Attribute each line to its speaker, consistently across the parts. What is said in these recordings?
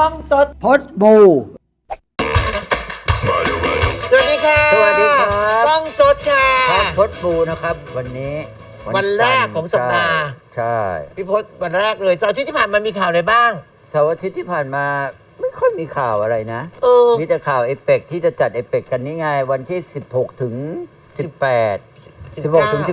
Speaker 1: องสด
Speaker 2: พดบู
Speaker 1: สวัสดีค่ะ
Speaker 2: สวัสดีครับ
Speaker 1: กล้องสดค่ะ
Speaker 2: ครับพดบูนะครับ วันนี้
Speaker 1: วันแรกของสัปดาห์
Speaker 2: ใช่
Speaker 1: พี่พศวันแรกเลยเสาร์อาทิตย์ที่ผ่านมามีข่าวอะไรบ้าง
Speaker 2: เสาร์อาทิตย์ที่ผ่านมาไม่ค่อยมีข่าวอะไรนะ
Speaker 1: เออ
Speaker 2: มีแต่ข่าวเอเปกที่จะจัดเอเปกกันนี่ไงวันที่ 16 ถึง 18 16 ถึง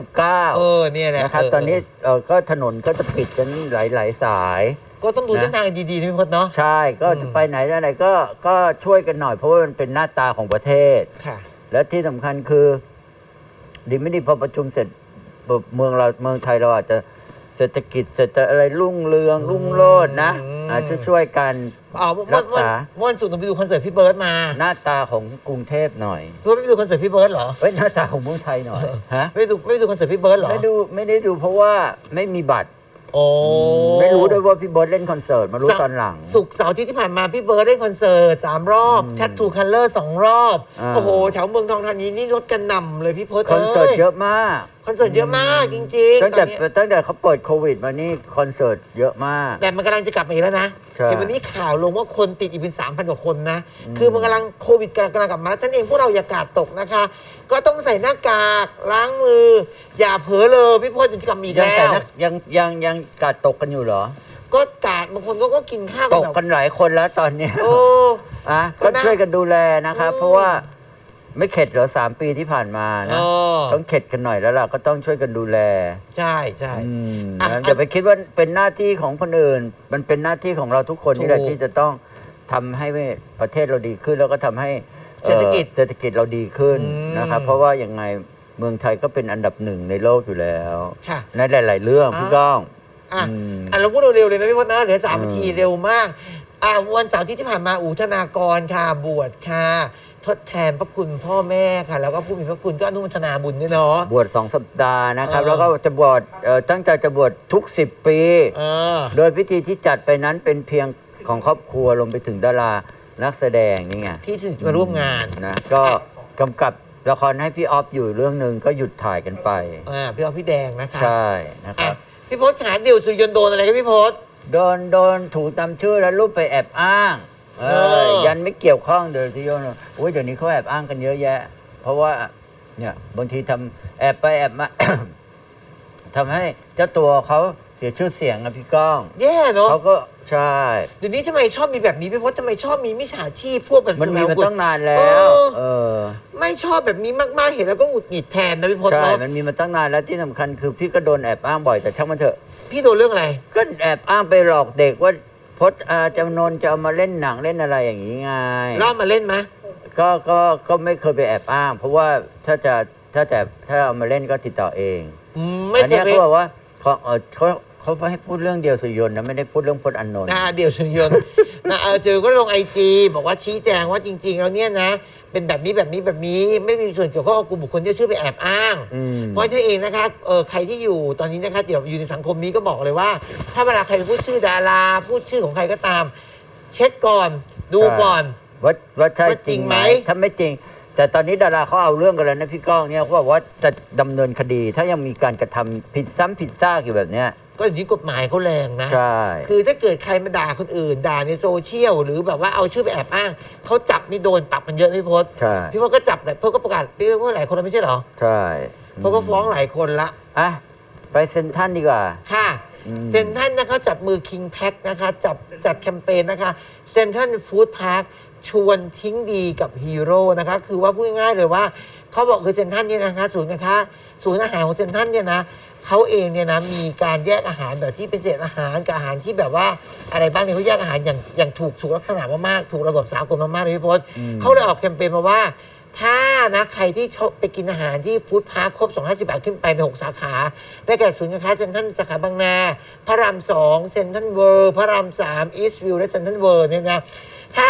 Speaker 2: 19
Speaker 1: เนี่ยแหละ
Speaker 2: นะครับตอนนี้ก็ถนนก็จะปิดกันหลายๆสาย
Speaker 1: ก็ต้องดูเส้นทางดีๆนะพี่พศเนาะ
Speaker 2: ใช่ก็จะไปไหนอะไรก็ช่วยกันหน่อยเพราะว่ามันเป็นหน้าตาของประเทศ
Speaker 1: ค่ะ
Speaker 2: และที่สำคัญคือดีไม่ดีพอประชุมเสร็จเมืองไทยเราอาจจะเศรษฐกิจอะไรรุ่งเรืองรุ่งโรจน์นะช่วยกัน รักษา
Speaker 1: เมื่อวันศุกร์หนูไปดูคอนเสิร์ตพี่เบิร์ดมา
Speaker 2: หน้าตาของกรุงเทพหน่อย
Speaker 1: พี่ไม่ไปดูคอนเสิร์ตพี่เบิร์ดเหรอ
Speaker 2: เฮ้ยหน้าตาของเมืองไทยหน่อยฮะ
Speaker 1: ไม่ดูคอนเสิร์ตพี่เบิร์ดเหรอ
Speaker 2: ไม่ได้ดูเพราะว่าไม่มีบัตร
Speaker 1: โอ้
Speaker 2: ไม่รู้ด้วยว่าพี่เบิร์ดเล่นคอนเสิร์ตมารู้ตอนหลัง
Speaker 1: ศุกร์เสาร์อาที่ผ่านมาพี่เบิร์ดเล่นคอนเสิร์ต3 รอบแทททูคัลเลอร์2 รอบ โอ้โหแถวเมืองทองธานีนี่รถกันหน่ำเลยพี่พศ
Speaker 2: คอนเสิร์ตเยอะมาก
Speaker 1: คอนเสิร์ตเยอะมากจริงๆ
Speaker 2: ตั้งแต่
Speaker 1: ตอนนี้
Speaker 2: เขาเปิดโควิดมานี่คอนเสิร์ตเยอะมาก
Speaker 1: แต่มันกำลังจะกลับมาอีกแล้วนะ
Speaker 2: ใช่
Speaker 1: เห็นวันนี้ข่าวลงว่าคนติดอีกเป็น 3,000 กว่าคนนะ คือมันกำลังโควิดกำลังกลับมาแล้วฉะนั้นเองพวกเราอย่ากาดตกนะคะ ก็ต้องใส่หน้ากากล้างมือ อย่าเผลอเลยพี่พจน์จะกลับมาอีก
Speaker 2: ยัง
Speaker 1: แล้
Speaker 2: ใส่
Speaker 1: ว
Speaker 2: นะยังกาดตกกันอยู่เหรอ
Speaker 1: ก็กาดบางคนก็กินข้าว
Speaker 2: ตก
Speaker 1: แบบ
Speaker 2: กันหลายคนแล้วตอนเนี้ย
Speaker 1: โอ้
Speaker 2: อ่ะ
Speaker 1: ก็
Speaker 2: ก็
Speaker 1: น่า
Speaker 2: ช่วยกันดูแลนะครับ เพราะว่าไม่เข็ดเหรอ3 ปีที่ผ่านมานะ ต้องเข็ดกันหน่อยแล้วล่ะก็ต้องช่วยกันดูแล
Speaker 1: ใช่ใช่ อ่ะ
Speaker 2: นะอย่าไปคิดว่าเป็นหน้าที่ของคนอื่น มันเป็นหน้าที่ของเราทุกคนนี่แหละ
Speaker 1: ถูก
Speaker 2: ที่จะต้องทำให้ประเทศเราดีขึ้นแล้วก็ทำให้
Speaker 1: เศรษฐกิจ
Speaker 2: เศรษฐกิจเราดีขึ้น
Speaker 1: อืม
Speaker 2: นะครับ เพราะว่ายังไงเมืองไทยก็เป็นอันดับ1ในโลกอยู่แล้ว
Speaker 1: ค่ะ
Speaker 2: ในหลาย ๆ เรื่องพี่ก้อง
Speaker 1: อ่ะ
Speaker 2: อืม
Speaker 1: เราพูดเร็วๆเลยนะพี่พจน์นะเหลือ3 นาทีเร็วมากวันเสาร์ที่ผ่านมาอู๋ธนากรค่ะบวชค่ะทดแทนพระคุณพ่อแม่ค่ะ แล้วก็ผู้มีพระคุณก็อนุโมทนาบุญด้วยเนาะ
Speaker 2: บวช2 สัปดาห์นะครับ
Speaker 1: เออ
Speaker 2: แล้วก็จะบวชตั้งใจจะบวชทุก 10 ปี
Speaker 1: เออ
Speaker 2: โดยพิธีที่จัดไปนั้นเป็นเพียงของครอบครัวรวมไปถึงดารานักแสดงนี่ไง
Speaker 1: ที่ถึงมาร่วมงาน
Speaker 2: นะก็กำกับละครให้พี่ออฟอยู่เรื่องหนึ่งก็หยุดถ่ายกันไป
Speaker 1: พี่ออฟพี่แดงนะคะ
Speaker 2: ใช่นะค
Speaker 1: อ่ะ
Speaker 2: รับ
Speaker 1: พี่พศขาเดี่ยวสุริยนต์โดนอะไรครับพี่พศ
Speaker 2: โดนถูกตามชื่อแล้วรูปไปแอบอ้างยันไม่เกี่ยวข้องเดี๋ยวที่โยนโอ้ยเดี๋ยวนี้เขาแอบอ้างกันเยอะแยะ เพราะว่าเนี่ยบางทีทำแอบไปแอบมา ทำให้เจ้าตัวเขาเสียชื่อเสียงนะพี่ก้อง
Speaker 1: แย่เนาะ
Speaker 2: เขาก็ใช่
Speaker 1: เดี๋ยวนี้ทำไมชอบมีแบบนี้พี่พศทำไมชอบมีมิจฉาชีพพวกแบบ
Speaker 2: มันมีมาตั้งนานแล้
Speaker 1: เอ
Speaker 2: ว
Speaker 1: อ
Speaker 2: เออ
Speaker 1: ไม่ชอบแบบนี้มากๆเห็นแล้วก็หงุดหงิดแทนนะพี่พศ
Speaker 2: ใช่
Speaker 1: เนาะ
Speaker 2: มันมีมาตั้งนานแล้วที่สำคัญคือพี่ก็โดนแอบอ้างบ่อยแต่ช่างมันเถอะ
Speaker 1: พี่โดนเรื่องอะไร
Speaker 2: ก็แอบอ้างไปหลอกเด็กว่าพจน์จำนนจะเอามาเล่นหนังเล่นอะไรอย่างนี้ไง
Speaker 1: รอบมาเล่นไหม
Speaker 2: ก็ไม่เคยไปแอบอ้าง เพราะว่าถ้าเอามาเล่นก็ติดต่อเอง
Speaker 1: ไม่
Speaker 2: อัน
Speaker 1: เค
Speaker 2: เนี้
Speaker 1: ย
Speaker 2: ย
Speaker 1: ไป
Speaker 2: เขาบอกว่าเขาให้พูดเรื่องเดียวสุริยนต์นะไม่ได้พูดเรื่องพจน์อานนท์
Speaker 1: เดี่ยวสุริยนต์ เจอก็ลงIG บอกว่าชี้แจงว่าจริง ๆ แล้วเนี่ยนะ เป็นแบบนี้ไม่มีส่วนเกี่ยวข้องกับกลุ่มบุคคลที่ชื่อไปแอบอ้าง เพราะฉะนั้นเองนะคะใครที่อยู่ตอนนี้นะคะเดี๋ยวอยู่ในสังคมนี้ก็บอกเลยว่า ถ้าเวลาใครพูดชื่อดาราพูดชื่อของใครก็ตาม เช็คก่อนดูก่อน
Speaker 2: ว่าใช่
Speaker 1: ว่า
Speaker 2: จ
Speaker 1: จริ
Speaker 2: ริง
Speaker 1: ง
Speaker 2: ไห
Speaker 1: ไห
Speaker 2: ม
Speaker 1: ม
Speaker 2: ถ้าไม่จริง แต่ตอนนี้ดาราเขาเอาเรื่องกันแล้วนะพี่ก้องเนี่ยเขาบอกว่าจะดำเนินคดี ถ้ายังมีการกระทำผิดซ้ำผิดซากอยู่แบบเนี้ย
Speaker 1: ก็อย่างนี้กฎหมายเขาแรงนะ
Speaker 2: ใช่
Speaker 1: คือถ้าเกิดใครมาด่าคนอื่น ด่าในโซเชียลหรือแบบว่าเอาชื่อไปแอบอ้างเขาจับนี่โดนปรับกันเยอะพี่พศ
Speaker 2: ใช่
Speaker 1: พี่พศก็จับแหละพี่พศก็ประกาศพี่พศหลายคนแล้วไม่ใช่เหรอ
Speaker 2: ใช่
Speaker 1: พี่พศก็ฟ้องหลายคนละ
Speaker 2: อ่ะไปเซ็นทรัลดีกว่า
Speaker 1: ค่ะเซนทันนะคะจับมือ King Pack นะคะจัดแคมเปญนะคะเซนทันฟู้ดพาร์คชวนทิ้งดีกับฮีโร่นะคะคือว่าพูดง่ายๆเลยว่าเขาบอกคือเซนทันเนี่ยนะคะศูนย์อาหารของเซนทันเนี่ยนะเขาเองเนี่ยนะมีการแยกอาหารแบบที่เป็นเศษอาหารกับอาหารที่แบบว่าอะไรบ้างเนี่ยเขาแยกอาหารอย่างถูกลักษณะมากๆถูกระบบสากลมากๆเลยพี่พศเขาเลยออกแคมเปญมาว่า ถ้านะใครที่ชอบไปกินอาหารที่ฟู้ดพาร์คครบ250 บาทขึ้นไปใน6 สาขาได้แก่ศูนย์การค้าเซ็นทรัลสาขาบางนาพระราม 2เซ็นทรัลเวิลด์พระราม 3อีสต์วิวและเซ็นทรัลเวิลด์เนี่ยนะถ้า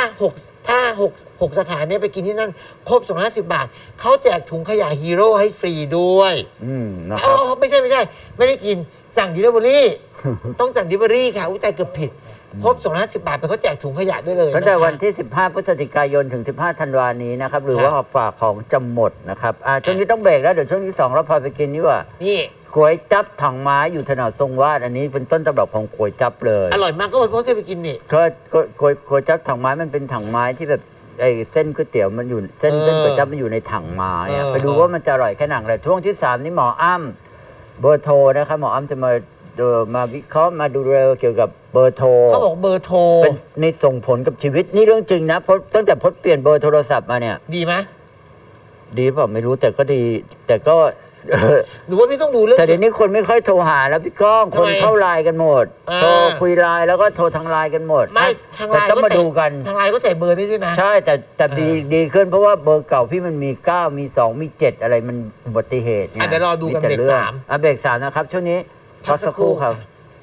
Speaker 1: 6 สาขาเนี่ยไปกินที่นั่นครบ250 บาทเขาแจกถุงขยะฮีโร่ให้ฟรีด้วย
Speaker 2: นะครับ
Speaker 1: ไม่ใช่ไม่ได้กินสั่งดิลิเวอรี่ ต้องสั่งดิลิเวอรี่ค่ะอุ้ยแต่เกือบผิดครบ250 บาทไปเขาแจกถุงขยะด้วยเลย
Speaker 2: ตั้งแต่
Speaker 1: นะคะ
Speaker 2: วันที่ 15 พฤศจิกายนถึง 15 ธันวานี้นะครับ หรือว่าฝากของจะหมดนะครับช่วงนี้ต้องเบรกแล้วเดี๋ยวช่วงที่2เราพาไปกินนี่ว่า
Speaker 1: นี่
Speaker 2: ก๋วยจั๊บถังไม้อยู่ถนนทรงวาดอันนี้เป็นต้นตำรับของก๋วยจั๊บเลย
Speaker 1: อร่อยมากก็เคยไปกินนี่
Speaker 2: ก็ก๋วยจั๊บถังไม้มันเป็นถังไม้ที่แบบไอ้เส้นก๋วยเตี๋ยวมันอยู่เส้นก๋วยจั๊บมันอยู่ในถังไม้อะไปดูว่ามันจะอร่อยแค่ไหนเลยช่วงที่ 3 นี่หมออ้ำเบอร์โทรนะครับหมออ้ำจะมาวิเคราะห์มาดูเรื่องเกี่ยวกับเบอร์โทร
Speaker 1: เขาบอกเบอร์โทร
Speaker 2: เป็นนี่ส่งผลกับชีวิตนี่เรื่องจริงนะเพราะตั้งแต่พดเปลี่ยนเบอร์โทรศัพท์มาเนี่ย
Speaker 1: ดีไหม
Speaker 2: ดีเปล่าไม่รู้แต่ก็ดี แต่ก็
Speaker 1: หรือว่าพี่ต้องดูเรื่อง
Speaker 2: แต่เดี๋ยวนี้คนไม่ค่อยโทรหาแล้วพี่ก้อง
Speaker 1: ทำ
Speaker 2: คน
Speaker 1: ไม
Speaker 2: เข้าไลน์กันหมด
Speaker 1: อ่า
Speaker 2: โทรคุยไลน์แล้วก็โทรทางไลน์กันหมด
Speaker 1: ไม่ทางไล
Speaker 2: แต่
Speaker 1: น์
Speaker 2: ต้องมาดูกัน
Speaker 1: ทางไลน์ก็ใส่เบอร์ได้ด้วยนะ
Speaker 2: ใช่แต่ดีขึ้นเพราะว่าเบอร์เก่าพี่มันมี 9 มี 2 มี 7 อะไรมันอุบัติเหตุไง
Speaker 1: อ่ะเดี๋ยวรอดูกัน
Speaker 2: แต่
Speaker 1: เบรก
Speaker 2: รื่อง
Speaker 1: สาม
Speaker 2: เบรก 3 นะครับ ช่วงนี้
Speaker 1: พักสักครู่
Speaker 2: ครับ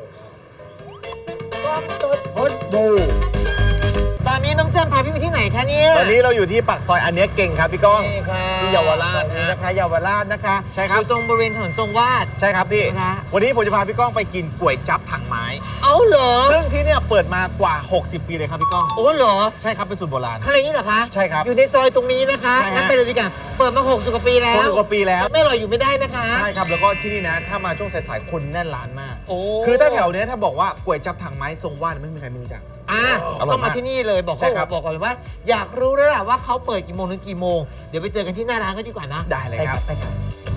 Speaker 2: พดบู
Speaker 1: ตอนนี้น้องแจ้มพาพี่ไปที่ไหนคะเนี่ย
Speaker 3: ตอนนี้เราอยู่ที่ปากซอยอันเนี้ยเก่งครับพี่ก้อง
Speaker 1: นี่ค่ะ
Speaker 3: ที่เยาวราช
Speaker 1: สวัสดี
Speaker 3: ฮะ
Speaker 1: นะคะเยาวราชนะคะ
Speaker 3: ใช่ครับ
Speaker 1: อยู่ตรงบริเวณถนนทรงวาด
Speaker 3: ใช่ครับพี่
Speaker 1: นะ
Speaker 3: วันนี้ผมจะพาพี่ก้องไปกินก๋วยจั๊บถังไม้
Speaker 1: เอาเหรอ
Speaker 3: ซึ่งที่เนี่ยเปิดมากว่า 60 ปีเลยครับพี่ก้อง
Speaker 1: โอ้เหรอ
Speaker 3: ใช่ครับเป็นสูตรโบราณ
Speaker 1: ข้างในนี้เหรอคะ
Speaker 3: ใช่ครับ
Speaker 1: อยู่ในซอยตรงนี้นะคะ
Speaker 3: ใช่ฮะ
Speaker 1: งั้นไปเลยดีกว่าเปิดมา60 กว่าปีแล้ว
Speaker 3: 60กว่าปีแล้ว
Speaker 1: ไม่อร่อยอยู่ไม่ได้นะคะ
Speaker 3: ใช่ครับแล้วก็ที่นี่นะ ถ้ามาช่วงสายๆคนแน่นร้านมาก
Speaker 1: โอ้
Speaker 3: คือถ้าแถวเนี้ยถ้าบอกว่าก๋วยจั๊บถังไม้ทรงวาดไม่มีใครไม่รู้จัก
Speaker 1: อ่ะ
Speaker 3: อร่อยมาก
Speaker 1: ต้องมาที่นี่เลยบอก
Speaker 3: ใช่ครับ
Speaker 1: บอกก่อนเลยว่า อยากรู้แล้วล่ะว่าเขาเปิดกี่โมงถึงกี่โมง เดี๋ยวไปเจอกันที่หน้าร้านก็ดีกว่านะ
Speaker 3: ได้เลยครับ
Speaker 1: ไปครับ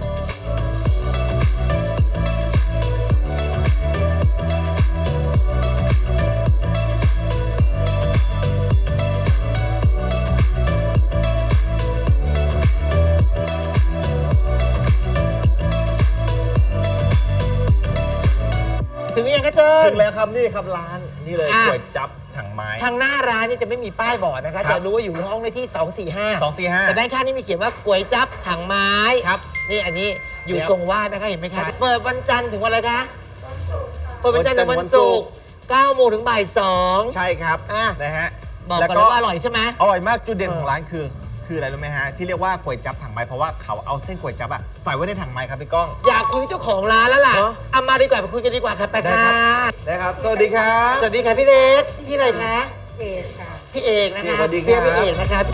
Speaker 1: ถึงหรือยังคะเจิ้
Speaker 3: ถึ
Speaker 1: น
Speaker 3: งแล้วครับนี่ครับร้านนี่เลย
Speaker 1: อ่ะ
Speaker 3: ก๋วยจั๊บถังไม้
Speaker 1: ทางหน้าร้านนี่จะไม่มีป้ายบอกนะคะ
Speaker 3: ครับ
Speaker 1: จะรู้ว่าอยู่ห้องเลขที่ 245
Speaker 3: 245
Speaker 1: แต่ด้านข้างนี่มีเขียนว่าก๋วยจั๊บถังไม้
Speaker 3: ครับ
Speaker 1: นี่อันนี้อยู่
Speaker 3: ครับ
Speaker 1: ทรงวาดนะคะเห็นไหมคะ
Speaker 3: ใช่
Speaker 1: เปิดวันจันทร์ถึงวันอะไรคะเปิดวันจันทร์ถึงวันศุกร์9 โมงถึงบ่าย 2
Speaker 3: ใช่ครับ
Speaker 1: อ่ะ
Speaker 3: นะฮะ
Speaker 1: บอก
Speaker 3: แล้ว
Speaker 1: ก่อนเลยว่าอร่อยใช่ไหม
Speaker 3: อร่อยมากจุดเด่นของร้านคืออะไรรู้ไหมฮะที่เรียกว่าก๋วยจั๊บถังไม้เพราะว่าเขาเอาเส้นก๋วยจั๊บอะใส่ไว้ในถังไม้ครับพี่ก้อง
Speaker 1: อยากคุยเจ้าของร้านแล้วล่ะ
Speaker 3: เนอะ
Speaker 1: เอามาดีกว่าไปคุยกันดีกว่าค่ะไป
Speaker 3: ได้
Speaker 1: ค่ะ
Speaker 3: ครับ นะครับสวัสดีครับ
Speaker 1: สวัสดีค่ะพี่เล็กพี่อะไรคะ
Speaker 4: เอกค่ะ
Speaker 1: พี่เอกนะคะ
Speaker 3: สวัสดีครับ
Speaker 1: เรียกพี่เอกนะคะ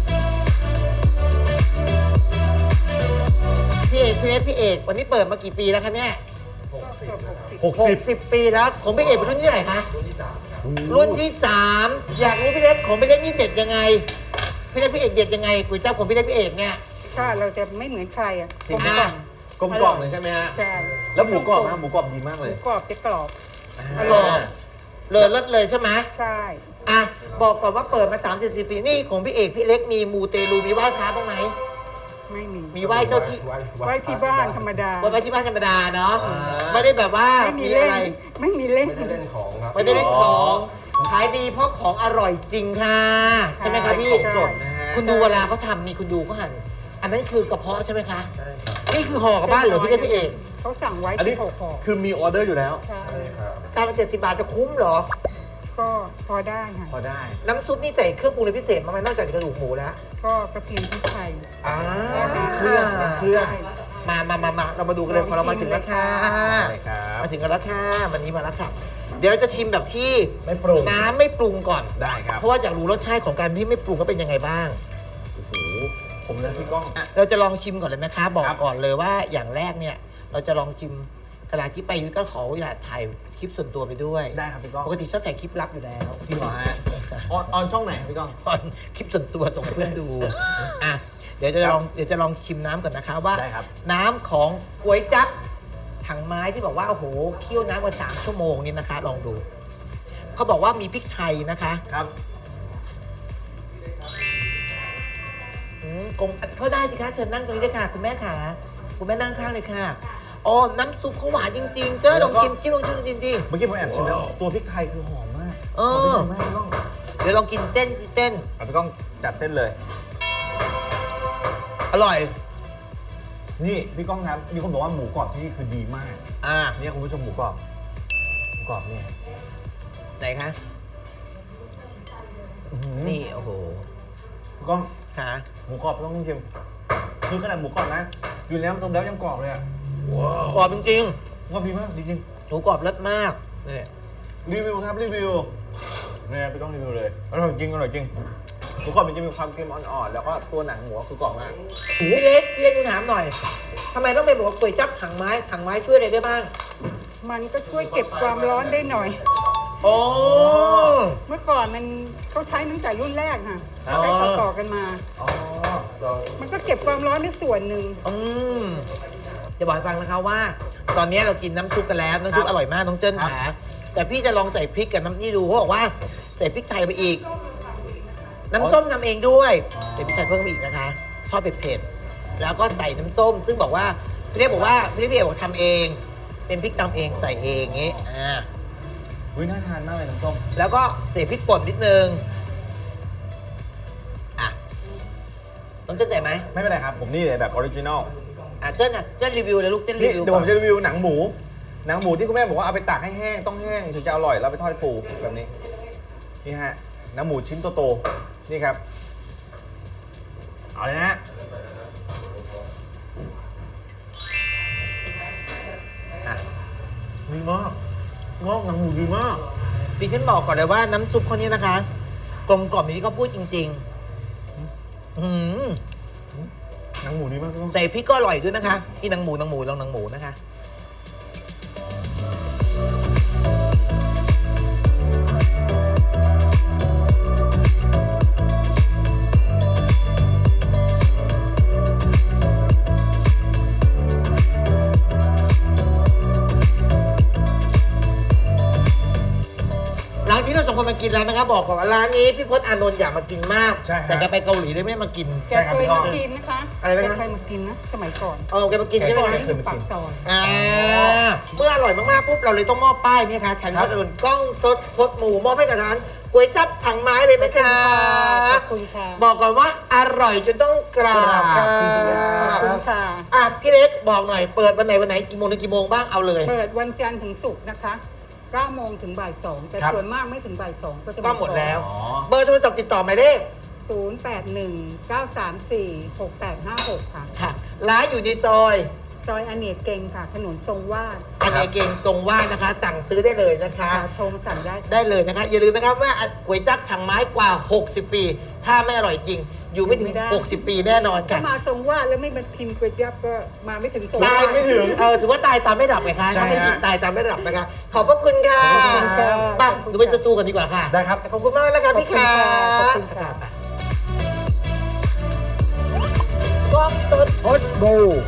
Speaker 1: พี่เอกพี่เล็กพี่เอกวันนี้เปิดมากี่ปีแล้วคะเนี่ย
Speaker 3: 60
Speaker 1: 60 ปีแล้วของพี่เอกเป็นรุ่นที่เท่าไหร่คะรุ่นที่ 3 อยากรู้พี่เล็กของพี่เล็กนี่เด็ดยังไงพี่เล็กพี่เอกเด็ดยังไงก๋วยจั๊บของพี่เล็กพี่เอกเนี่ย
Speaker 4: ชาติเราจะไม่เหมือนใครอ่ะ
Speaker 3: จริง
Speaker 4: กลม
Speaker 1: อ่ะ
Speaker 4: กล่อม
Speaker 3: กลมกล่อมเลยใช่ไหมฮะ
Speaker 4: ใช่
Speaker 3: แล้วหมูกรอบนะหมูกรอบดีมาก
Speaker 4: ห
Speaker 3: เล
Speaker 4: มู
Speaker 3: ย
Speaker 4: กรอบจะกรอบ
Speaker 1: อร่อยเลยเลิศเลยใช่ไหม
Speaker 4: ใช่
Speaker 1: อ่ะบอกก่อนว่าเปิดมา30 ปีนี่ของพี่เอกพี่เล็กมีมูเตลูมีไหว้พระบ้างไหม
Speaker 4: ไม่มี
Speaker 1: มีไหว้เจ้าที่
Speaker 4: ไว้ที่บ้านธรรมดา
Speaker 1: ไหว้ที่บ้านธรรมดาเนาะ
Speaker 3: อ่า
Speaker 1: ไม่ได้แบบว่า
Speaker 4: ไม่มี
Speaker 1: มี
Speaker 4: เล่
Speaker 1: อะไร
Speaker 4: นไม่มีเล่น
Speaker 3: ไม่ได้เล่นของครับ
Speaker 1: ไม่ได้เล่นของขายดีเพราะของอร่อยจริงค่ะ ใช่ไหมคะพี่
Speaker 3: ของสดนะฮะ
Speaker 1: คุณดูเวลาเขาทำนี่คุณดูเขาหั่นอันนั้นคือกระเพาะใช่ไหมคะ
Speaker 3: ใช่ครับ
Speaker 1: นี่คือห่อกลับบ้านเหรือพี่เล็กพี่เอก
Speaker 4: เขาสั่งไว้
Speaker 3: อันนี้
Speaker 4: ที่ห่อ
Speaker 3: คือมีออเดอร์อยู่แล้ว
Speaker 4: ใช่
Speaker 1: จานละ70 บาทจะคุ้มเหรอ
Speaker 4: ก็พอได้ค่ะ
Speaker 3: พอได้
Speaker 1: น้ำซุปนี่ใส่เครื่องปรุงอะไรพิเศษมากไหมนอกจากกระดูกหมูแล้ว
Speaker 4: ก็กระเทียมพริกไทย
Speaker 1: อ่า
Speaker 3: เครื่องเครื่อง
Speaker 4: ใช่
Speaker 1: มาเรามาดูกันเลยพอเรามาถึงแล้วค่ะ
Speaker 3: ได้ครับ
Speaker 1: มาถึงกันแล้วค่ะวันนี้มาแล้วค่ะ เดี๋ยวเราจะชิมแบบที่
Speaker 3: ไม่ปรุง
Speaker 1: น้ำไม่ปรุงก่อน
Speaker 3: ได้ครับ
Speaker 1: เพราะว่าอยากรู้รสชาติของการที่ไม่ปรุงก็เป็นยังไงบ้าง
Speaker 3: โอ้โหผมนะพี่ก้อง
Speaker 1: เราจะลองชิมก่อนเลยไหมคะบอก
Speaker 3: ครับ
Speaker 1: ก่อนเลยว่าอย่างแรกเนี่ยเราจะลองชิมขณะที่ไปยุ้ยก็ขออยากถ่ายคลิปส่วนตัวไปด้วย
Speaker 3: ได้ครับพี่ก้อง
Speaker 1: ปกติชอบถ่ายคลิปลับอยู่แล้ว
Speaker 3: จริงเหรอฮะออนช่องไหนครับพี่ก้อง
Speaker 1: ตอนคลิปส่วนตัวส่งให้เพื่อนดูอ่ะเดี๋ยวจะลองชิมน้ำก่อนนะคะว่า
Speaker 3: ได้ครับ
Speaker 1: น้ำของก๋วยจั๊บถังไม้ที่บอกว่าโอ้โหเคี่ยวน้ำมา3 ชั่วโมงนี่นะคะ ลองดูเขาบอกว่ามีพริกไทยนะคะ
Speaker 3: ครับ
Speaker 1: กงเข้าได้สิคะเชิญนั่งตรงนี้เลยค่ะคุณแม่ขาคุณแม่นั่งข้างเลยค่ะอ๋อน้ำซุปเขาหวานจริงๆเจ้าลองชิมลองชิมจริง
Speaker 3: เมื่อกี้ผมแอบชิมแล้วตัวพริกไทยคือหอมมาก
Speaker 1: เออ
Speaker 3: หอมพริกไทยมากพี่ก้อง
Speaker 1: ๆเดี๋ยวลองกินเส้นสิเส้น
Speaker 3: เอาพี่ก้องจัดเส้นเลย
Speaker 1: อร่อย
Speaker 3: นี่พี่ก้องครับ มีคนบอกว่าหมูกรอบที่นี่คือดีมาก
Speaker 1: อ่า
Speaker 3: เนี่ยคุณผู้ชมหมูกรอบหมูกรอบเนี่ย
Speaker 1: ไหนคะ
Speaker 3: อื้อหือ
Speaker 1: นี่โอ้โห
Speaker 3: พี่ก้อง
Speaker 1: ค่ะ
Speaker 3: หมูกรอบต้องชิมคือขนาดหมูกรอบนะ อยู่ในน้ำซุปแล้วยังกรอบเลยอ่ะ
Speaker 1: กรอบจริง
Speaker 3: กรอบดีมากจริง
Speaker 1: ๆหมูกรอบเลิศมากนี่
Speaker 3: รีวิวครับรีวิวเนี่ยไปต้องรีวิวเลยอร่อยจริงอร่อยจริงทุกคนมันจะมีความเค็มอ่อนๆแล้วก็ตัวหนังหมูคือกรอบมาก
Speaker 1: พี่เล็กถามหน่อยทำไมต้องเป็นบอกว่าก๋วยจั๊บถังไม้ช่วยอะไรได้บ้าง
Speaker 4: มันก็ช่วยเก็บความร้อนได้หน่อย
Speaker 1: โอ้
Speaker 4: เมื่อก่อนมันเขาใช้ตั้งแต่รุ่นแรกค่ะใช้ต่อๆกันมา
Speaker 3: อ๋อ
Speaker 4: มันก็เก็บความร้อนได้ส่วนหนึ่ง
Speaker 1: จะบอกให้ฟังนะคะว่า ตอนนี้เรากินน้ำซุปกันแล้วน้ำซุปอร่อยมากน้องเจิ้นขาแต่พี่จะลองใส่พริกกับน้ำนี่ดูเขาบอกว่าใส่พริกไทยไปอีก น้ำส้มทำเองด้วยใส่พริกไทยเพิ่มไปอีกนะคะชอบเผ็ดๆแล้วก็ใส่น้ำส้ม ซึ่งบอกว่าพี่เรียกบอกว่าพี่เรียกบอกทำเอง เป็นพริกตำเองใส่เองงี้
Speaker 3: อุ้ยน่าทานมากเลยน้ำส้ม
Speaker 1: แล้วก็ใส่พริกป่นนิดนึงอ่ะต้องเจิ้นใส่ไหม
Speaker 3: ไม่เป็นไรครับ ผมนี่เลยแบบออริจินอล
Speaker 1: เจิ้นรีวิวเลยลูกเจิ้นรี
Speaker 3: นี่
Speaker 1: วิว
Speaker 3: เดี๋ยวผม
Speaker 1: ก่อน
Speaker 3: จะรีวิวหนังหมูที่คุณแม่บอกว่าเอาไปตากให้แห้งต้องแห้งถึงจะอร่อยแล้วไปทอดให้ฟูแบบนี้นี่ฮะหนังหมูชิ้นโตๆนี่ครับเอาเลยนะฮะ
Speaker 1: อ่ะ
Speaker 3: ดีมากงอกหนังหมูดีมาก
Speaker 1: ดิฉันบอกก่อนเลยว่าน้ำซุปเขานี้นะคะกลมกล่อมอย่างที่เขาพูดจริงๆ
Speaker 3: หนังหมูดีมากพี่
Speaker 1: ใส่พริกก็อร่อยด้วยนะคะที่หนังหมูลองหนังหมูนะคะร้านที่เราสองคนมากินแล้วนะครับบอกก่อนว่าร้านนี้พี่พจน์อานนท์อยากมากินมาก
Speaker 3: ใช่ฮะ
Speaker 1: แต่แกไปเกาหลีเลยไม่ได้มากิน
Speaker 4: แกเคยมากินนะคะ
Speaker 1: อะไรนะ
Speaker 4: แกเคยมากินนะสมัยก่อน
Speaker 1: แกมากินใช่ไหม
Speaker 4: ก่อน
Speaker 1: คะ
Speaker 4: ที่อยู่ปากซอย
Speaker 1: เมื่ออร่อยมากๆปุ๊บเราเลยต้องมอบป้ายนี่ค่ะแทนพี่พจน์อานนท์กล้องสดพดหมูมอบให้กับร้านก๋วยจั๊บถังไม้เลยไหมคะ
Speaker 4: ขอบคุณค่ะ
Speaker 1: บอกก่อนว่าอร่อยจนต้องกราบ
Speaker 3: ครับจริงๆนะ
Speaker 4: ขอบคุณค่ะ
Speaker 1: พี่เล็กบอกหน่อยเปิดวันไหนกี่โมงถึงกี่โมงบ้างเอาเลย
Speaker 4: เปิดวันจันทร์ถึงศุกร์นะคะ 9 โมงถึงบ่าย 2 แต่
Speaker 3: ครับ
Speaker 4: ส่วนมากไม่ถึงบ่าย 2 ก็จะ
Speaker 1: ก็หมดแล้ว
Speaker 3: อ๋อ
Speaker 1: เบอร์โทรศัพท์ติดต่อหมายเลข
Speaker 4: 081-934-6856 ค่ะ
Speaker 1: ค่ะ ร้านอยู่ในซอย
Speaker 4: ซอยอเนกเกงค่ะ ถนนทรงวาด
Speaker 1: อันไหนเก่งทรงว่านะคะ สั่งซื้อได้เลยนะคะ
Speaker 4: โทรมาสั่งได้
Speaker 1: ได้เลยนะคะ อย่าลืมนะครับว่าก๋วยจั๊บถังไม้กว่า 60 ปี ถ้าไม่อร่อยจริง อยู่ไม่ถึง
Speaker 4: ไม่ได้
Speaker 1: 60 ปีแน่นอน
Speaker 4: ถ้า
Speaker 1: ค่ะ
Speaker 4: มาทรงวาดแล้วไม่มาพิมพ์ก๋วยจั๊บก็มาไม่ถึงทรง
Speaker 1: ตา
Speaker 4: วย ด
Speaker 1: ไม่ถึงถือว่าตายตามไม่ดับไงคะ
Speaker 3: ใช่
Speaker 1: ถ้าไม่
Speaker 3: ฮะ
Speaker 1: กินตายตามไม่ดับนะคะ ขอบพระคุณค่ะ
Speaker 4: ขอบคุณค่ะ
Speaker 1: ไปังดูไปสตูกันดีกว่าค่ะ
Speaker 3: ได้ครับ
Speaker 1: ขอบคุณมากนะคะพี่ค่ะ
Speaker 4: ขอบคุณค่ะ
Speaker 1: กล้องสด
Speaker 2: พดบู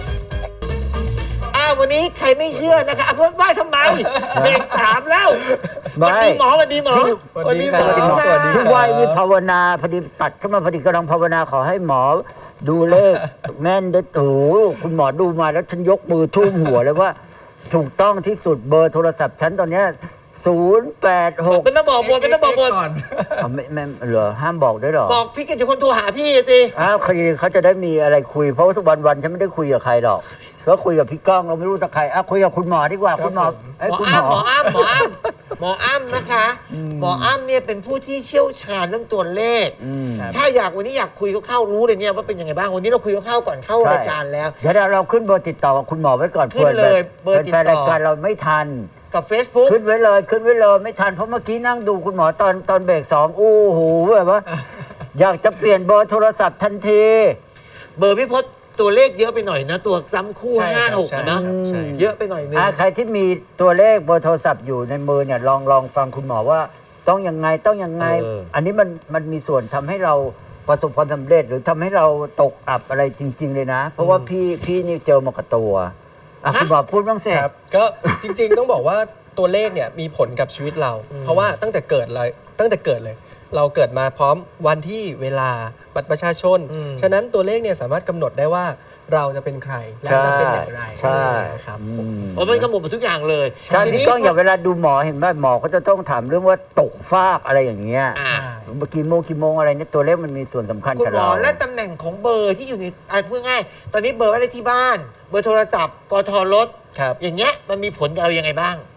Speaker 1: วันนี้ใครไม่เชื่อนะคะเพิ่มไหว้ทำไมเบรก3แล้ว
Speaker 2: ไม่
Speaker 1: สวัสดีหมอ
Speaker 3: สวัสดีครับ
Speaker 1: สวัสดี
Speaker 2: ที่
Speaker 1: ค่ะ
Speaker 2: ไหวนี่ภาวนาพอดีตัดเข้ามาพอดีกำลังภาวนาขอให้หมอดูเลข แม่นได้โอ้โหคุณหมอดูมาแล้วฉันยกมือทุ่มหัวเลยว่า ถูกต้องที่สุดเบอร์โทรศัพท์ฉันตอนเนี้ย086
Speaker 1: เป็นต้องบอกบนเป็นต้องบอกบน
Speaker 2: ไม่เหรอห้ามบอกด้วยเหรอ
Speaker 1: บอกพี่กิตอยู่คนโทรหาพี่สิ
Speaker 2: อ้าวเขาจะได้มีอะไรคุยเพราะว่าทุกวันฉันไม่ได้คุยกับใครหรอกก็คุยกับพี่ก้องเราไม่รู้จะใครคุยกับคุณหมอดีกว่าคุณหมอ
Speaker 1: หมอ
Speaker 2: คุณ
Speaker 1: อ้ำนะคะ หมออ้ำเนี่ยเป็นผู้ที่เชี่ยวชาญเรื่องตัวเลข ถ้าวันนี้อยากคุยเข้ารู้เลยเนี่ยว่าเป็นยังไงบ้างวันนี้เราคุยเข้าก่อนเข้ารายการแล้ว
Speaker 2: เดี๋ยวเราขึ้นเบอร์ติดต่อกับคุณหมอไว้ก่อน
Speaker 1: ขึ้นเลยเบอร์ติดต่อ
Speaker 2: แฟนรายการเราไม่ทัน
Speaker 1: กับ Facebook
Speaker 2: ขึ้นไว้เลยไม่ทันเพราะเมื่อกี้นั่งดูคุณหมอตอนเบรก2อู้หูแบบว่า อยากจะเปลี่ยนเบอร์โทรศัพท์ทันที
Speaker 1: เบอร์พี่พศตัวเลขเยอะไปหน่อยนะ ตัวซ้ำคู่
Speaker 3: ใช่ครับ
Speaker 1: 5 6นะ
Speaker 3: ใช่
Speaker 1: เยอะไปหน่อยนึง
Speaker 2: ใครที่มีตัวเลขเบอร์โทรศัพท์อยู่ในมือเนี่ยลองฟังคุณหมอว่าต้องยังไง อันนี้มันมีส่วนทำให้เราประสบความสำเร็จหรือทำให้เราตกอับอะไรจริง ๆ เลยนะ เพราะว่าพี่นี่เจอมากับตัวคุณหมอพูดบ้างสิ
Speaker 5: ครับก็จริงๆ ต้องบอกว่าตัวเลขเนี่ยมีผลกับชีวิตเรา เพราะว่าตั้งแต่เกิดเลย เราเกิดมาพร้อมวันที่เวลาบัตรประชาชน ฉะนั้นตัวเลขเนี่ยสามารถกำหนดได้ว่าเราจะเป็นใครและจะเป็นอย่างไร
Speaker 2: ใช่
Speaker 5: นะครับ
Speaker 1: มันขมวดหมดทุกอย่างเลย
Speaker 2: ใช่
Speaker 1: ที
Speaker 2: พี่
Speaker 1: นี้
Speaker 2: ก้องอย่าเวลาดูหมอเห็นไหมหมอเขาจะต้องถามเรื่องว่าตกฟากอะไรอย่างเงี้ย
Speaker 1: อ่า
Speaker 2: กี่โมงอะไรเนี่ยตัวเลขมันมีส่วนสำคัญ
Speaker 1: คุณ
Speaker 2: กับ
Speaker 1: หมอ
Speaker 2: เรา
Speaker 1: และตำแหน่งของเบอร์ที่อยู่ในพูดง่ายตอนนี้เบอร์อะไรที่บ้าน เบอร์โทรศัพท์กทรถ
Speaker 5: ครับ
Speaker 1: อย่างเงี้ยมันมีผลกับเรายังไงบ้าง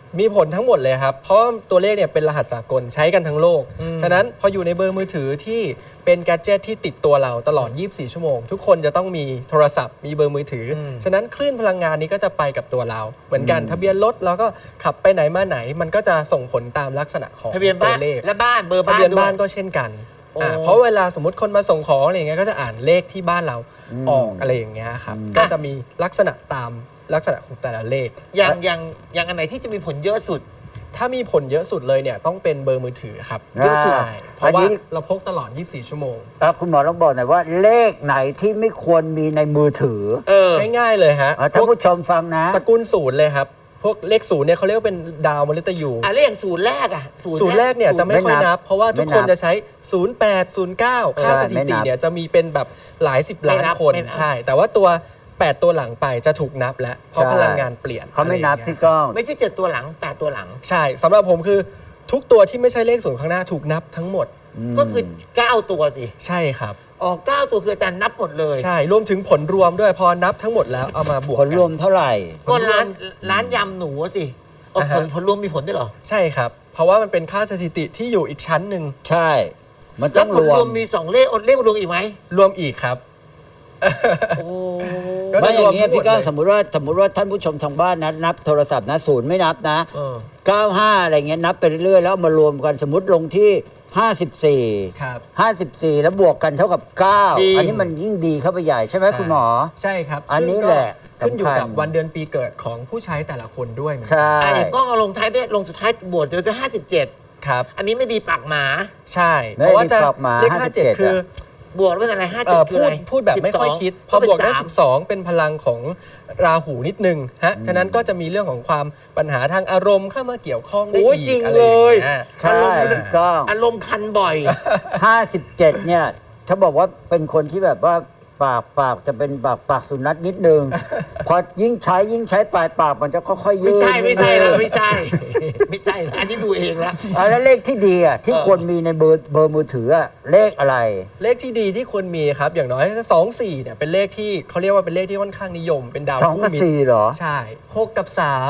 Speaker 5: มีผลทั้งหมดเลยครับ เพราะตัวเลขเนี่ยเป็นรหัสสากลใช้กันทั้งโลก ฉะนั้นพออยู่ในเบอร์มือถือที่เป็นแกดเจิตที่ติดตัวเราตลอด 24 ชั่วโมง ทุกคนจะต้องมีโทรศัพท์มีเบอร์มือถืออฉะนั้นคลื่นพลังงานนี้ก็จะไปกับตัวเรา เหมือนกันทะเบียนรถเราก็ขับไปไหนมาไหน มันก็จะส่งผลตามลักษณะของ
Speaker 1: ทะเบียน
Speaker 5: ตั
Speaker 1: บ้า
Speaker 5: วน เลข
Speaker 1: และบ้านเบอร์
Speaker 5: ทะ
Speaker 1: บ้าน
Speaker 5: เบียน
Speaker 1: ด้วย
Speaker 5: บ้านก็เช่นกัน
Speaker 1: โอ้
Speaker 5: เพราะเวลาสมมติคนมาส่งของอะไรอย่างเงี้ยก็จะอ่านเลขที่บ้านเราออกอะไรอย่างเงี้ยครับก็จะมีลักษณะตามลักษณะของแต่ละเลข
Speaker 1: อย่างอันไหนที่จะมีผลเยอะสุด
Speaker 5: ถ้ามีผลเยอะสุดเลยเนี่ยต้องเป็นเบอร์มือถือครับ
Speaker 2: เยอะสุด
Speaker 5: ใช่เพราะว่าเราพกตลอด 24 ชั่วโมง
Speaker 2: คุณหมอต้องบอกหน่อยว่าเลขไหนที่ไม่ควรมีในมือถือ
Speaker 5: ง่ายๆเลยฮะ
Speaker 2: ท่านผู้ชมฟังนะ
Speaker 5: ตระกูลศูนย์เลยครับ พวกเลขศูนย์เนี่ยเขาเรียกว่าเป็นดาวมฤตยู
Speaker 1: เลขศูนย์แรก
Speaker 5: ศูนย์แรกเนี่ยจะไม่ค่อยนับ เพราะว่าทุกคน
Speaker 2: ไม่นับ
Speaker 5: จะใช้ 08 09 ค่าสถิติเนี่ยจะมีเป็นแบบหลายสิบล้านคน
Speaker 1: ไม่นับ
Speaker 5: ใช่ แต่ว่าตัว 8 ตัวหลังไปจะถูกนับแล้วเพราะพลังงานเปลี่ยน
Speaker 2: เขาไม่นับ
Speaker 5: อะรอย่ง
Speaker 2: พี่
Speaker 5: งี้ย
Speaker 2: ก้อง
Speaker 1: ไม่ใช่7ตัวหลัง8ตัวหลัง
Speaker 5: ใช่สำหรับผมคือทุกตัวที่ไม่ใช่เลขศูนย์ข้างหน้าถูกนับทั้งหมด
Speaker 1: ก็คือ9ตัวสิ
Speaker 5: ใช่ครับ
Speaker 1: 9ตัวคืออาจารย์นับหมดเลย
Speaker 5: ใช่รวมถึงผลรวมด้วยพอนับทั้งหมดแล้วเอามาบวก
Speaker 2: ผ
Speaker 5: กั
Speaker 2: ล
Speaker 5: น
Speaker 2: รวมเท่าไหร่
Speaker 1: ก็ร้านยำหนูอะสิผลรวมมีผลด้วยเหรอ
Speaker 5: ใช่ครับ เพราะว่ามันเป็นค่าสถิติที่อยู่อีกชั้นหนึ่ง
Speaker 2: ใช่ มัน
Speaker 1: แล้
Speaker 2: ต้
Speaker 1: ว
Speaker 2: อง
Speaker 1: ผล
Speaker 2: รว
Speaker 1: รว
Speaker 2: ม
Speaker 1: มมี2เลขเลขรวมอีกไหม
Speaker 5: รวมอีกครับ
Speaker 1: โอ้
Speaker 5: ก็
Speaker 2: ไม่
Speaker 5: จะ
Speaker 2: อ
Speaker 5: รวม
Speaker 2: ย่างเงี้ย
Speaker 5: ทั้งหมด
Speaker 2: พี่ก้อง
Speaker 5: เลย
Speaker 2: สมมติว่าท่านผู้ชมทางบ้านนับโทรศัพท์นะศูนย์ไม่นับนะ 95 อะไรเงี้ยนับไปเรื่อยๆแล้วเอามารวมกันสมมติลงที่ 54
Speaker 5: ครับ
Speaker 2: 54 แล้วบวกกันเท่ากับ 9 อันนี้มันยิ่งดีเข้าไปใหญ่ใช่ไหมคุณหมอ
Speaker 5: ใช่ครับ
Speaker 2: อันนี้
Speaker 5: ซึ่งก็
Speaker 2: แหละ
Speaker 5: ขึ้นอยู่
Speaker 2: สำคัญ
Speaker 5: กับวันเดือนปีเกิดของผู้ใช้แต่ละคนด้วยเหมือนกัน
Speaker 2: ใช่
Speaker 1: อย่างก็เอาลงท้ายไปลงสุดท้ายบวกจะ57
Speaker 5: ครับ
Speaker 1: อันนี้ไม่ดีปากหมา
Speaker 5: ใช่
Speaker 2: ไม่
Speaker 5: เพราะว่าจะ
Speaker 2: ได้ปรับมา
Speaker 5: เลข
Speaker 2: 57
Speaker 5: 57 คือ
Speaker 1: บวกแล้วเป็นอะไร57คืออะไร
Speaker 5: พูดแบบไม่ค่อยคิด พอบวกได้12 เป็นพลังของราหูนิดนึงฮะฉะนั้นก็จะมีเรื่องของความปัญหาทางอารมณ์เข้ามาเกี่ยวข้องได้
Speaker 1: โอ้ย
Speaker 5: อี
Speaker 1: จริ
Speaker 5: ก
Speaker 1: ง
Speaker 5: อะไรอย่าง
Speaker 1: เลย
Speaker 5: เงี้ย
Speaker 2: ใช่พี่ก้อง
Speaker 1: อารมณ์คันบ่อย
Speaker 2: 57 เนี่ย ถ้าบอกว่าเป็นคนที่แบบว่าปากจะเป็นปากสุนัขนิดนึง พอยิ่งใช้ปลายปากมันจะค่อยๆยื
Speaker 1: ไม่
Speaker 2: ด
Speaker 1: ใช่ไม่ใช่แล้ว
Speaker 2: นิดนึง
Speaker 1: ไม่ใช่ ไม่ใช่แล้วอันนี้ดูเองแล้ว
Speaker 2: แล้วเลขที่ดีอ่ะที่ควรมีในเบอร์มือถืออ่ะเลขอะไร
Speaker 5: เลขที่ดีที่ควรมีครับอย่างน้อย24เนี่ยเป็นเลขที่เขาเรียกว่าเป็นเลขที่ค่อนข้างนิยมเป็นดาว
Speaker 2: 2
Speaker 5: คู่
Speaker 2: กับ
Speaker 5: มิตร
Speaker 2: 4เหรอ
Speaker 5: ใช่6กับ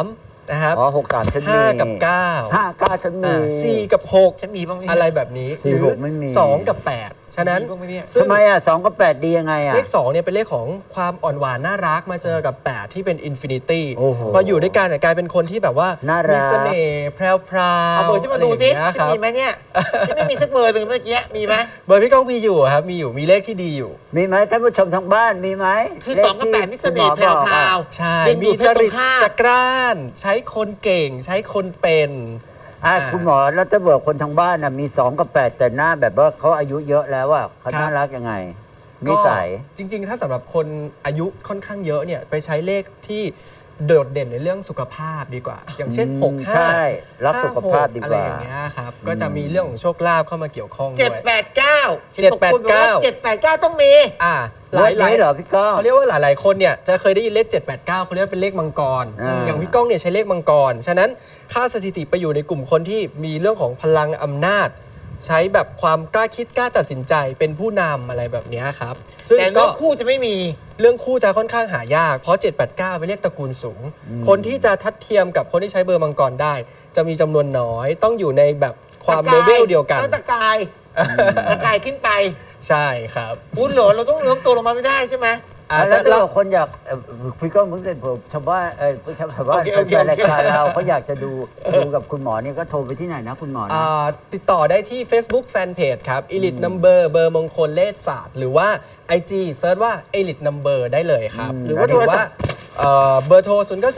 Speaker 5: 3นะครับ
Speaker 2: อ๋อ63ฉันมี
Speaker 5: 5กับ9
Speaker 2: 5 9ฉันมี
Speaker 5: 4กับ
Speaker 1: ฉันมีบ้างไหม
Speaker 5: 6 อะไรแบบนี้
Speaker 2: สี่
Speaker 5: หรือ
Speaker 2: หกไม่มี
Speaker 5: 2 กับ 8 ฉะนั้น
Speaker 1: มีบ้างไหมเนี่ย
Speaker 5: ซึ่ง
Speaker 2: ทำไมอ่ะ2กับ8ดียังไงอ่ะ
Speaker 5: เลข2เนี่ยเป็นเลขของความอ่อนหวานน่ารักมาเจอกับ 8 ที่เป็นอินฟินิตี้
Speaker 2: โอ้โห
Speaker 5: พออยู่ด้วยกันเนี่ยกลายเป็นคนที่แบบว่า
Speaker 2: น่ารัก
Speaker 5: มีเสน่ห์แพรวๆ
Speaker 1: เอาเบอร์ฉันมาดูสิ
Speaker 5: อะไรอย่งเงี้ย
Speaker 1: ฉั
Speaker 5: คน รับ
Speaker 1: มีไหมเนี่ยฉันไม่มีสักเบอร์หนึ่งเมื่อกี้มีไหม
Speaker 5: เบอร์พี่ก้องมีอยู่ครับมีเลขที่ดีอยู่
Speaker 2: มีไหมท่านผู้ชมทางบ้านมีไหม
Speaker 1: คือ
Speaker 2: เลข
Speaker 1: 2กับ8มิสเน่ห์แพ
Speaker 2: คุณหมอบอก
Speaker 1: ร
Speaker 2: อ่ะ
Speaker 1: ว
Speaker 5: ใช่
Speaker 1: ดึงดู
Speaker 5: มี
Speaker 1: ดเพ
Speaker 5: จ
Speaker 1: ศตร
Speaker 5: ริ
Speaker 1: ง
Speaker 5: ต
Speaker 1: ข้าม
Speaker 5: จักร้าน ใช้คนเก่ง ใช้คนเป็น
Speaker 2: คุณหมอแล้วถ้าเบิกคนทางบ้านน่ะมี2กับ8แต่หน้าแบบว่าเขาอายุเยอะแล้วอ่ะเขา
Speaker 5: ครับ
Speaker 2: น่ารักยังไงนิสัย
Speaker 5: ก็จริง ๆ ถ้าสำหรับคนอายุค่อนข้างเยอะเนี่ยไปใช้เลขที่โดดเด่นในเรื่องสุขภาพดีกว่า อย่างเช่น
Speaker 2: อืม
Speaker 5: 6 5
Speaker 2: ใช่รักสุขภาพดีกว่า
Speaker 5: อะไรอย่างเงี้ยครับก็จะมีเรื่องของโชคลาภเข้ามาเกี่ยวข้อง
Speaker 1: เจ็ด
Speaker 5: ด้วย
Speaker 1: แปดเก้าเห็นบอกคนบอกว่า
Speaker 5: 789
Speaker 1: 789ต้องมี
Speaker 5: หลาย
Speaker 2: เลขนี้เหรอพี่ก้อง
Speaker 5: เขาเรียกว่าหลายๆคนเนี่ยจะเคยได้ยินเลข 789เขาเรียกว่าเป็นเลขมังกร อย่างพี่ก้องเนี่ยใช้เลขมังกรฉะนั้นค่าสถิติไปอยู่ในกลุ่มคนที่มีเรื่องของพลังอำนาจ ใช้แบบความกล้าคิดกล้าตัดสินใจเป็นผู้นำอะไรแบบเนี้ยครับซึ่ง
Speaker 1: แต่
Speaker 5: ก็
Speaker 1: เนื้อคู่จะไม่มี
Speaker 5: เรื่องคู่จะค่อนข้างหายาก เพราะ 789 เป็นเลขตระกูลสูง คนที่จะทัดเทียมกับคนที่ใช้เบอร์มังกรได้ จะมีจำนวนน้อย ต้องอยู่ในแบบความเลเวลเดียวกัน
Speaker 1: ตะกายตะกายขึ้นไป
Speaker 5: ใช่ครับ
Speaker 1: อุ้นเหรอเราต้องเลื้อมตัวลงมาไม่ได้ใช่ไหม
Speaker 5: อาจ
Speaker 2: แล้
Speaker 5: จะ
Speaker 2: วถ้า
Speaker 5: เรา
Speaker 2: คนอยากพี่ก้องเพิ่งเสร็จผมชาวบ้านชาวบ้าน
Speaker 1: โอเค
Speaker 2: แฟนรายการเราเขาอยากจะดูกับคุณหมอเนี่ยก็โทรไปที่ไหนนะคุณหมอนะ
Speaker 5: ติดต่อได้ที่ Facebook Fanpage ครับ Elite Number เบอร์มงคลเลขศาสตร์หรือว่า IG เซิร์ชว่า Elite Number ได้เลยครับ
Speaker 1: หรือว่าโทรศัพท์
Speaker 5: เบอร์โทร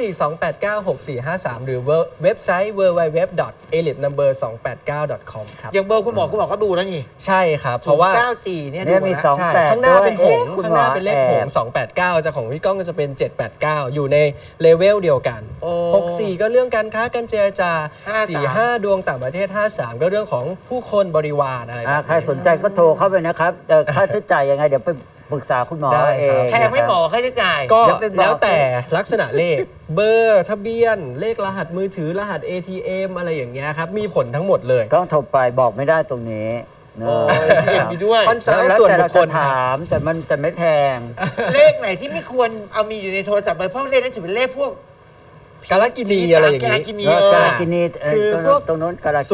Speaker 5: 0942896453 หรือเว็บไซต์ www.elitenumber289.com ครับ
Speaker 1: อย่างเบอร์คุณหมอก็ดูแล้วนี่
Speaker 5: ใช่ครับ เพราะว่า
Speaker 1: 94เนี่ย
Speaker 2: เนี่
Speaker 1: ดู
Speaker 2: ยมี
Speaker 1: นะ
Speaker 2: สอง
Speaker 5: ใช่
Speaker 2: แปด
Speaker 5: ข้างหน้าเป็นหงส์
Speaker 2: ด้วย
Speaker 5: ข้างหน้าเป็นเลขหง
Speaker 2: แอบ
Speaker 5: ส์289จะของพี่ก้องก็จะเป็น 789 อยู่ในเลเวลเดียวกัน
Speaker 1: โอ้
Speaker 5: 64 ก็เรื่องการค้าการเจรจา
Speaker 1: 53
Speaker 5: 45 ดวงต่างประเทศ 53 ก็เรื่องของผู้คนบริวารอะไรแบบ
Speaker 2: ใคร
Speaker 5: นี้
Speaker 2: สนใจก็โทรเข้าไปนะครับค่าใช้จ่ายยังไงเดี๋ยวไปปรึกษาคุณหมอ
Speaker 5: ได้
Speaker 2: เอ
Speaker 5: ครับ
Speaker 2: ง
Speaker 1: แพงไม่หมอค่าใช้จ่าย
Speaker 5: ก็
Speaker 2: เดี๋ยวไปบอก
Speaker 5: แล้วแต่ลักษณะเลข เบอร์ทะเบียน เลขรหัสมือถือรหัส ATM อะไรอย่างเงี้ยครับ มีผลทั้งหมดเลย
Speaker 2: ต้องโทรไปบอกไม่ได้ตรงนี้เน
Speaker 1: โอ้
Speaker 2: อะ
Speaker 1: ยเห็นมีด้วย
Speaker 5: คอนซัลท์
Speaker 2: แล้ว
Speaker 5: ส่วน
Speaker 2: แต่
Speaker 5: บุ
Speaker 2: เรา
Speaker 5: คค
Speaker 2: จะ
Speaker 5: ลครับ
Speaker 2: ถามแต่ไม่แพง
Speaker 1: เลขไหนที่ไม่ควรเอามีอยู่ในโทรศัพท์เลยเพราะเลขนั้นถือเป็นเลขพวก
Speaker 5: กาลกินีอะไรอย่าง
Speaker 1: กาล
Speaker 5: นี้
Speaker 1: กินี
Speaker 2: กาลกินีเออ
Speaker 5: คือพวก
Speaker 2: ตรงโน้นกาลกินี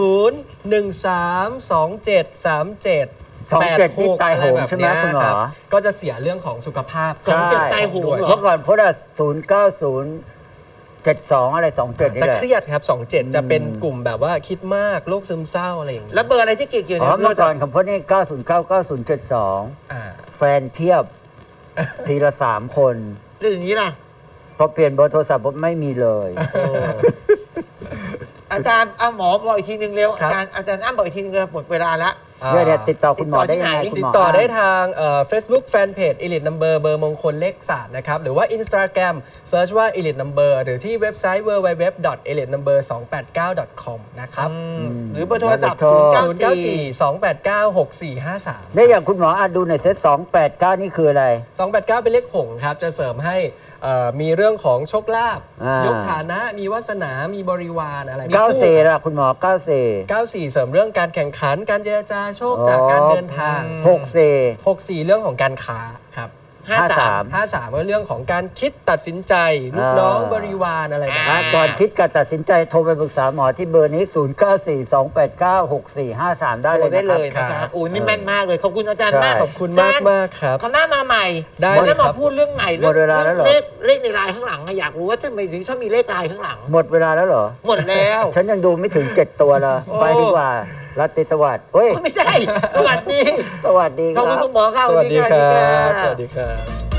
Speaker 5: 00132737
Speaker 2: นี่ตายโหงใช่ไหมคุณหมอ
Speaker 5: ก็จะเสียเรื่องของสุขภาพ
Speaker 1: 27ตายโหงเหรอ
Speaker 2: เมื่อก่อนพจน์09072อะไร27นี่
Speaker 5: จะ
Speaker 2: แหละ
Speaker 5: เครียดครับ 27 จะเป็นกลุ่มแบบว่าคิดมากโรคซึมเศร้าอะไรอย่างนี้
Speaker 1: แล้วเบอร์อะไรที่เกี่ยว
Speaker 2: อ๋อ
Speaker 1: เนี่ย
Speaker 2: เมื่อก่อนของพจน์นี่9099072
Speaker 5: อ่า
Speaker 2: แฟนเพียบ ทีละ3 คน
Speaker 1: เรื่องอย่างนี้ล่ะ
Speaker 2: พอเปลี่ยนเบอร์โทรศัพท์ปุ๊บไม่มีเลย
Speaker 1: อาจารย์เอาหมอบอกอีกทีนึงเร็ว
Speaker 5: ครับ
Speaker 1: อาจารย์อ้ำบอกอีกทีนึงเลยหมดเวลาแล้ว
Speaker 2: เนี่ยติดต่อคุณหมอได้ยังไง
Speaker 1: ติดต่อที่ไหน
Speaker 2: คุณ
Speaker 5: ติ
Speaker 2: ห
Speaker 5: ด
Speaker 2: มอ
Speaker 5: ต่อได้ทางFacebook Fanpage Elite Number เบอร์มงคลเลขศาสตร์นะครับ หรือว่า Instagram Search ว่า Elite Number หรือที่เว็บไซต์ www.elitenumber289.com นะครับ
Speaker 1: หรือเบอร์โทรศัพท์
Speaker 5: 094-289-6453
Speaker 2: ได้อย่างคุณหมอดูในอยเซต289 นี่คืออะไร
Speaker 5: 289 เป็นเลขหงส์ครับ จะเสริมให้มีเรื่องของโชคลาภ
Speaker 2: อ่าย
Speaker 5: ยกฐานะ มีวาสนา มีบริวารอะไร
Speaker 2: 94ล่ะคุณหมอ 94
Speaker 5: 94 เสริมเรื่องการแข่งขัน การเจรจาโชคจากการเดินทาง
Speaker 2: 64
Speaker 5: 64 เรื่องของการค้าครับ
Speaker 2: 53
Speaker 5: 53ก็เรื่องของการคิดตัดสินใจ ลูกน้องบริวารอะไรแบบนี้
Speaker 2: ก่อนคิดการตัดสินใจโทรไปปรึกษาหมอที่เบอร์นี้ 0942896453 ได้
Speaker 1: โท
Speaker 2: เล
Speaker 1: ร
Speaker 2: ย
Speaker 1: ได้
Speaker 2: นะ
Speaker 1: เล
Speaker 2: ครั
Speaker 1: ย
Speaker 2: บ
Speaker 1: นะคะอุ้ยนี่แม่นมากเลย ขอบคุณอาจารย์
Speaker 2: ใช่
Speaker 1: มาก
Speaker 5: ขอบคุณมากมากครับ
Speaker 1: เขาหน้ามาใหม่
Speaker 5: ได้
Speaker 1: วัน
Speaker 5: เลย
Speaker 1: นี้
Speaker 5: ครั
Speaker 1: มา
Speaker 5: บ
Speaker 1: พูดเรื่องใหม่
Speaker 2: หมดเวลาแล้วเหรอ
Speaker 1: เลขในลายข้างหลังอะอยากรู้ว่าทำไมถึงชอบมีเลขลายข้างหลัง
Speaker 2: หมดเวลาแล้วเหรอ
Speaker 1: หมดแล้ว
Speaker 2: ฉันยังดูไม่ถึง 7 ตัวเลย
Speaker 1: โอ้
Speaker 2: ไปดีกว่ารัตติสวัสดิ์เฮ้ย
Speaker 1: ไม่ใช่ สวัสดี
Speaker 2: สวัสดีค
Speaker 1: ขอบ
Speaker 2: รั
Speaker 1: คุณ
Speaker 2: บ
Speaker 1: คุณหมอค่ะ
Speaker 5: สวัสดีค
Speaker 1: สวัส
Speaker 5: รั
Speaker 1: ดีค่ะ
Speaker 5: บ สวัสดีครับ